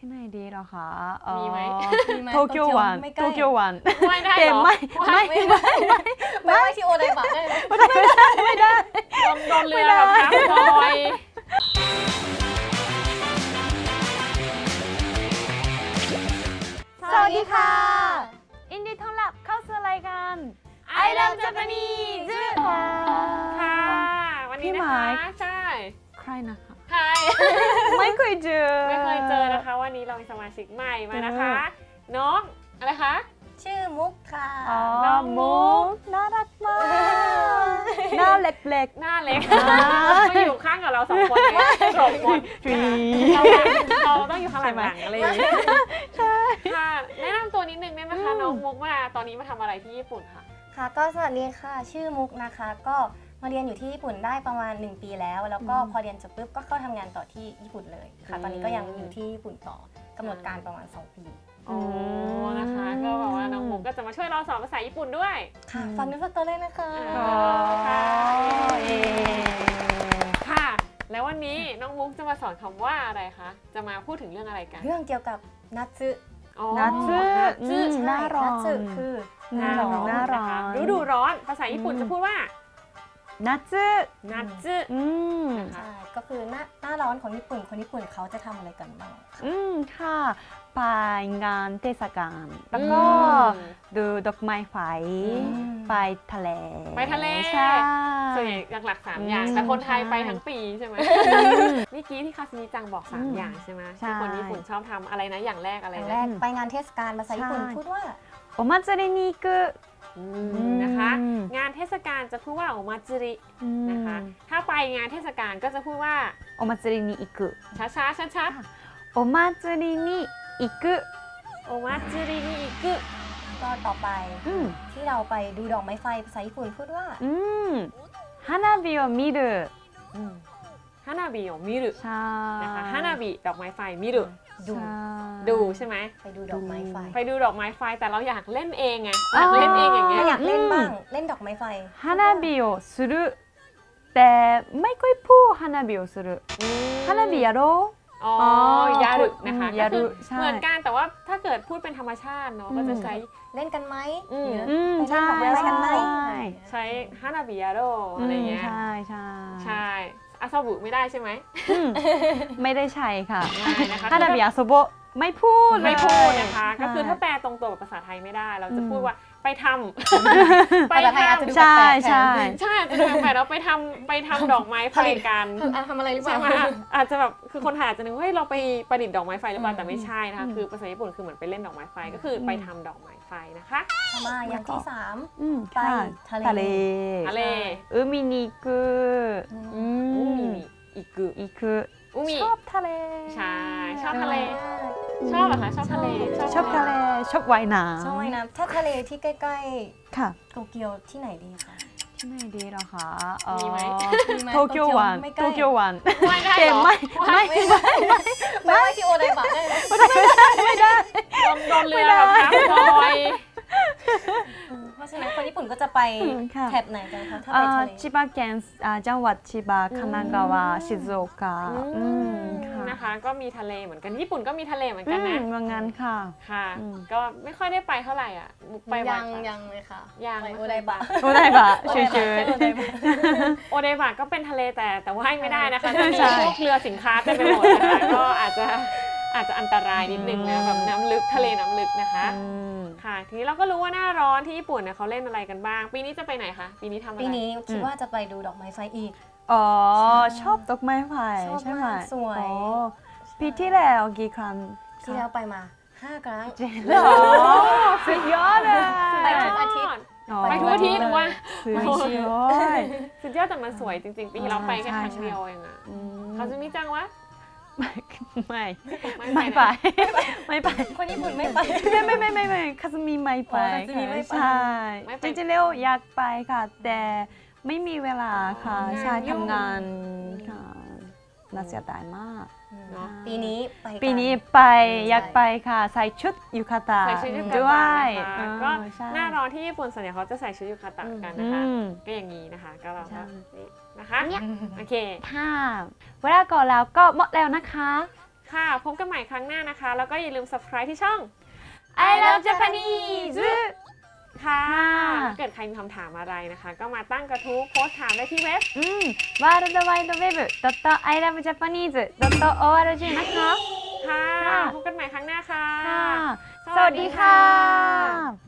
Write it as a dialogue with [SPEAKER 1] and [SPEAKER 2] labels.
[SPEAKER 1] ที่ไหนดีหรอคะ
[SPEAKER 2] มีไหม
[SPEAKER 1] โตเกียววันโตเกียววัน
[SPEAKER 2] ไม่ได้หรอ
[SPEAKER 3] ไม่ที่โอไดบะได้ไหม
[SPEAKER 1] ไม่ได้
[SPEAKER 2] โดนเรือแบบทับลอย
[SPEAKER 1] สวัสดีค่ะยินดีต้อนรับเข้าสู่รายการ
[SPEAKER 2] I Love Japanese ค่ะวันนี้นะคะใช่
[SPEAKER 1] ใครนะคะ
[SPEAKER 2] ใคร
[SPEAKER 1] ไม่เคยเจอ
[SPEAKER 2] นะคะวันนี้เรามีสมาชิกใหม่มานะคะน้องอะไรคะ
[SPEAKER 3] ชื่อมุกค่ะ
[SPEAKER 2] น้องมุก
[SPEAKER 1] น่ารักมากหน้าเล็ก
[SPEAKER 2] ๆหน้าเล็กมาอยู่ข้างกับเราสองคนเลยจบหมดเราต้องอยู่ข้างหลังอะไรอย่างนี้ใช่ค่ะแนะนำตัวนิดนึงได้ไหมคะน้องมุกมาตอนนี้มาทำอะไรที่ญี่ปุ่นคะ
[SPEAKER 3] ค่ะก็สวัสดีค่ะชื่อมุกนะคะก็มาเรียนอยู่ที่ญี่ปุ่นได้ประมาณ1ปีแล้วก็พอเรียนจบปุ๊บก็เข้าทำงานต่อที่ญี่ปุ่นเลยค่ะตอนนี้ก็ยังอยู่ที่ญี่ปุ่นต่อกำหนดการประมาณ2 ปี
[SPEAKER 2] อ๋อนะคะก็บอกว่าน้องมุกก็จะมาช่วยเราสอนภาษาญี่ปุ่นด้วย
[SPEAKER 3] ค่ะฟังนึกฟังตัวเลยนะคะ
[SPEAKER 2] ค่ะแล้ววันนี้น้องมุกจะมาสอนคำว่าอะไรคะจะมาพูดถึงเรื่องอะไรกัน
[SPEAKER 3] เรื่องเกี่ยวกับนัตสึ
[SPEAKER 1] นัตสึหน้าร้อน
[SPEAKER 3] นัตสึคือ
[SPEAKER 1] หน้าร้อน
[SPEAKER 2] ฤดูร้อนภาษาญี่ปุ่นจะพูดว่า
[SPEAKER 1] นัตสึ
[SPEAKER 3] ใช่ก็คือหน้าร้อนของญี่ปุ่นคนญี่ปุ่นเขาจะทำอะไรกันบ้าง
[SPEAKER 1] ค่ะไปงานเทศกาลแล้วก็ดูดอกไม้ไฟไปทะเล
[SPEAKER 2] ใช่ส่วนใหญ่หลักๆ3อย่างแต่คนไทยไปทั้งปีใช่ไหมเมื่อกี้ที่คาซิมิจังบอก3อย่างใช่ไหมที่คนญี่ปุ่นชอบทำอะไรนะอย่างแรกอะไรนะ
[SPEAKER 3] ไปงานเทศกาลภาษาญี่ปุ่นพูดว่า
[SPEAKER 1] โอมาจิรินิกุ
[SPEAKER 2] นะคะงานเทศกาลจะพูดว่าโอมาจิรินะคะถ้าไปงานเทศกาลก็จะพูดว่า
[SPEAKER 1] โอมาจิรินิอิกุ
[SPEAKER 2] ช้า
[SPEAKER 1] โอมาจิรินิอิกุ
[SPEAKER 2] โอมาจิรินิอิกุ
[SPEAKER 3] ก็ต่อไปที่เราไปดูดอกไม้ไฟภาษาญี่ปุ่นพูดว่า
[SPEAKER 1] ฮานาบิโอมิรุ
[SPEAKER 2] ฮานาบิโอมิรุนะคะฮานาบิดอกไม้ไฟมิรุดูใช่ไหม
[SPEAKER 3] ไปดูดอกไม้ไฟ
[SPEAKER 2] แต่เราอยากเล่นเองไงอยากเล่นเองอย่างเงี้ย
[SPEAKER 3] อยากเล่นบ้างเล่นดอกไม้ไฟ
[SPEAKER 1] ฮานาบิโอするแต่ไม่ค่อยพูดฮานาบิโอするฮานาบิยาโร
[SPEAKER 2] ยารุนะคะก็คือเหมือนกันแต่ว่าถ้าเกิดพูดเป็นธรรมชาติเนาะก็จะใช้
[SPEAKER 3] เล่นกันไหม
[SPEAKER 1] ใช่
[SPEAKER 2] ใช้ฮานาบิยาโรอะไรเงี้ยใช่อาซาบุไม่ได้ใช่ไหม
[SPEAKER 1] ไม่ได้ใช้ค่ะฮานาบิอาโซโบไม่พูด
[SPEAKER 2] นะคะก็คือถ้าแปลตรงตัวกับภาษาไทยไม่ได้เราจะพูดว่าไปท
[SPEAKER 3] ำภาษาไทยอาจจะดูแปลก
[SPEAKER 2] ใช่อาจจะดูแปลกเราไปทำดอกไม้ผลิตกัน
[SPEAKER 3] ทำอะไรหรือเปล่า
[SPEAKER 2] อาจจะแบบคือคนไทยอาจจะนึกว่าเฮ้ยเราไปประดิษฐ์ดอกไม้ไฟหรือเปล่าแต่ไม่ใช่นะคะคือภาษาญี่ปุ่นคือเหมือนไปเล่นดอกไม้ไฟก็คือไปทำดอกไม้ไฟนะคะ
[SPEAKER 3] มาอย่างที่3ไปทะเล
[SPEAKER 1] อุมินิกุ
[SPEAKER 2] อิกุ
[SPEAKER 1] ชอบทะเล
[SPEAKER 2] ใช่ชอบทะเลชอบเหรอคะชอบทะเล
[SPEAKER 1] ชอบว่ายน้
[SPEAKER 3] ำถ้าทะเลที่ใกล้ๆค่ะโตเกียวที่ไหนดีคะ
[SPEAKER 1] ที่ไหนดีหรอคะ
[SPEAKER 2] มีไหม
[SPEAKER 1] โตเกียววัน
[SPEAKER 2] ไม่ได้หรอ
[SPEAKER 3] ไม่ที่โอไดบะได้
[SPEAKER 1] ไม่ได้
[SPEAKER 2] โดนเรือแบบทับลอย
[SPEAKER 3] เพราะฉะนั้นคนญี่ปุ่นก็จะไปแถบไหนกันคะถ้าไปทะเล
[SPEAKER 1] ชิบะเคนจังหวัดชิบะคานากาวะชิซุโอกะ
[SPEAKER 2] นะคะก็มีทะเลเหมือนกันญี่ปุ่นก็มีทะเลเหมือนกันนะ
[SPEAKER 1] ว่างั้นค่ะ
[SPEAKER 2] ก็ไม่ค่อยได้ไปเท่าไหร่อ่ะไป
[SPEAKER 3] ยังเลยค่ะ
[SPEAKER 2] ยัง
[SPEAKER 3] โอไดบะ
[SPEAKER 1] เฉย
[SPEAKER 2] โอไดบะก็เป็นทะเลแต่ว่ายไม่ได้นะคะจะมีพวกเรือสินค้าเต็มไปหมดนะคะก็อาจจะอันตรายนิดนึงนะแบบน้ำลึกทะเลน้ำลึกนะคะค่ะทีนี้เราก็รู้ว่าหน้าร้อนที่ญี่ปุ่นเนี่ยเขาเล่นอะไรกันบ้างปีนี้จะไปไหนคะปีนี้ทำอะไร
[SPEAKER 3] ปีนี้คิดว่าจะไปดูดอกไม้ไฟอีก
[SPEAKER 1] ชอบดอกไม้ไฟใช่ไหม
[SPEAKER 3] สวย
[SPEAKER 1] ปีที่แล้วกี่ครั้ง
[SPEAKER 3] ที่แล้วไปมา5 ครั้ง
[SPEAKER 1] สุดยอดเลย
[SPEAKER 3] ไปทุกอาทิตย์
[SPEAKER 2] ไปทุกอาทิตย์ว่า
[SPEAKER 1] สุด
[SPEAKER 2] ยอดแต่มันสวยจริงๆปีที่เราไปแค่ครั้งเดียวเองอ่ะเขาจะมีจังวะ
[SPEAKER 1] ไม่ไป
[SPEAKER 3] คนญี่ปุ่นไม่ไป
[SPEAKER 1] ไม่คาสมิไม่ไปใช่จริงๆแล้วอยากไปค่ะแต่ไม่มีเวลาค่ะใช่ทำงานค่ะน่าเสียดายมาก
[SPEAKER 3] ปีนี้
[SPEAKER 1] ไปอยากไปค่ะใส่ชุดยูคาตะด้วย
[SPEAKER 2] ก็หน้าร้อนที่ญี่ปุ่นส่วนใหญ่เขาจะใส่ชุดยูคาตะกันนะคะก็อย่างนี้นะคะก็เรานะคะโอเค
[SPEAKER 1] ค่ะเวลาก่อนแล้วก็หมดแล้วนะคะ
[SPEAKER 2] ค่ะพบกันใหม่ครั้งหน้านะคะ แล้วก็อย่าลืม subscribe ที่ช่อง
[SPEAKER 1] I love Japanese
[SPEAKER 2] ค่ะถ้าเกิดใครมีคำถามอะไรนะคะ ก็มาตั้งกระทู้โพสต์ถามได้ที่เว็บ
[SPEAKER 1] worldwideweb.ilovejapanese.org นะคะ
[SPEAKER 2] ค่ะพบกันใหม่ครั้งหน้าค่ะ
[SPEAKER 1] สวัสดีค่ะ